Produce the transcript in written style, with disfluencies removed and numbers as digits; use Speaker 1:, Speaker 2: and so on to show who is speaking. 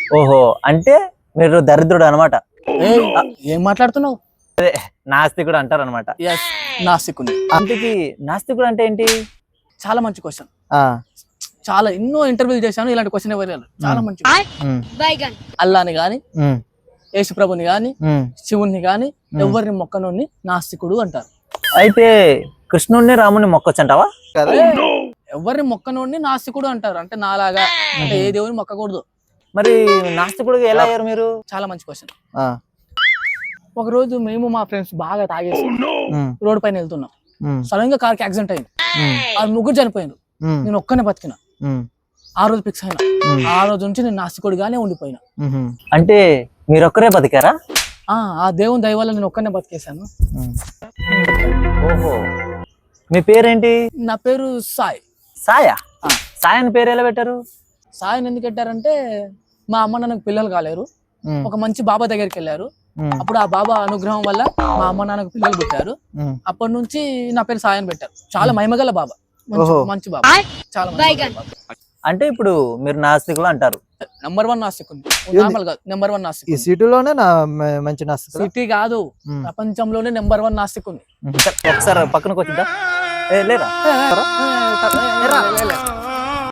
Speaker 1: ఓహో, అంటే మీరు దరిద్రుడు అనమాట.
Speaker 2: ఏయ్, ఏం మాట్లాడుతున్నావు?
Speaker 1: నాస్తికుడు అంటారు అనమాట.
Speaker 2: ఎస్, నాస్తికుని.
Speaker 1: అందుకే నాస్తికుడు అంటే ఏంటి?
Speaker 2: చాలా మంచి క్వశ్చన్.
Speaker 1: ఆ,
Speaker 2: చాలా ఎన్నో ఇంటర్వ్యూలు చేశాను, ఇలాంటి క్వశ్చన్ ఎవరు చాలా మంచి
Speaker 1: ఉమ్,
Speaker 2: అల్లాని గాని
Speaker 1: ఉమ్,
Speaker 2: యేసుప్రభుని గాని
Speaker 1: ఉమ్.
Speaker 2: శివుణ్ణి గాని ఎవరిని మొక్కనోని నాస్తికుడు అంటారు.
Speaker 1: అయితే కృష్ణుడిని రాముని మొక్కొచ్చంటావా? కదా.
Speaker 2: ఎవరిని మొక్కనోడిని నాస్తికుడు అంటారు. అంటే నాలాగా అంటే ఏ దేవుని మొక్కకూడదు.
Speaker 1: మరి నాస్తికుడు ఎలా అయ్యారు మీరు?
Speaker 2: చాలా మంచి క్వశ్చన్.
Speaker 1: ఆ,
Speaker 2: ఒక రోజు మేము మా ఫ్రెండ్స్ బాగా తాగేసి
Speaker 1: ఉమ్,
Speaker 2: రోడ్ పైన వెళ్తున్నాం.
Speaker 1: ఉమ్,
Speaker 2: సడన్ గా కార్కి యాక్సిడెంట్ అయింది.
Speaker 1: ఉమ్,
Speaker 2: ఆ ముగ్గురు చనిపోయినారు.
Speaker 1: ఉమ్,
Speaker 2: నేను ఒక్కనే బతికిన.
Speaker 1: ఉమ్,
Speaker 2: ఆ రోజు ఫిక్స్ అయినా.
Speaker 1: ఉమ్.
Speaker 2: ఆ రోజు నుంచి నేను నాస్తికుడిగానే ఉండిపోయినా.
Speaker 1: ఉహుం. అంటే మీరొక్కరే బతికారా?
Speaker 2: ఆ దేవుని దయ వల్ల నేను ఒక్కనే బతికేశాను.
Speaker 1: ఉమ్. ఓహో, మీ పేరేంటి?
Speaker 2: నా పేరు సాయి.
Speaker 1: సాయా?
Speaker 2: ఆ.
Speaker 1: సాయి అని పేరు ఎలా పెట్టారు?
Speaker 2: సాయిని ఎందుకు పెట్టారంటే మా అమ్మ నాన్నకు పిల్లలు కాలేరు.
Speaker 1: ఉమ్,
Speaker 2: ఒక మంచి బాబా దగ్గరికి వెళ్ళారు.
Speaker 1: ఉమ్,
Speaker 2: అప్పుడు ఆ బాబా అనుగ్రహం వల్ల మా అమ్మ నాన్నకు పిల్లలు పుట్టారు.
Speaker 1: ఉమ్.
Speaker 2: అప్పటి నుంచి నా పేరు సాయి అని పెట్టారు. చాలా మహిమగల బాబా, మంచి
Speaker 1: ఓహో.
Speaker 2: మంచి బాబా, చాలా మహిమగల బాబా.
Speaker 1: అంటే ఇప్పుడు మీరు నాస్తికులు అంటారు.
Speaker 2: నెంబర్ 1 నాస్తికుని. నార్మల్ కాదు, నెంబర్ 1
Speaker 3: ఈ
Speaker 2: నాస్తికుని.
Speaker 3: సిటీలోనే మంచి నాస్తికుడు.
Speaker 2: సిటీ కాదు,
Speaker 1: ఉమ్.
Speaker 2: ప్రపంచంలోనే నెంబర్ 1 నాస్తికుని.
Speaker 1: ఒకసారి పక్కనకు వచ్చిందా? లేరా?
Speaker 2: ఏ, ఏ, ఏ, ఏ, ఏ, ఏ, ఏ, ఏ, ఏ, ఏ, ఏ, ఏ,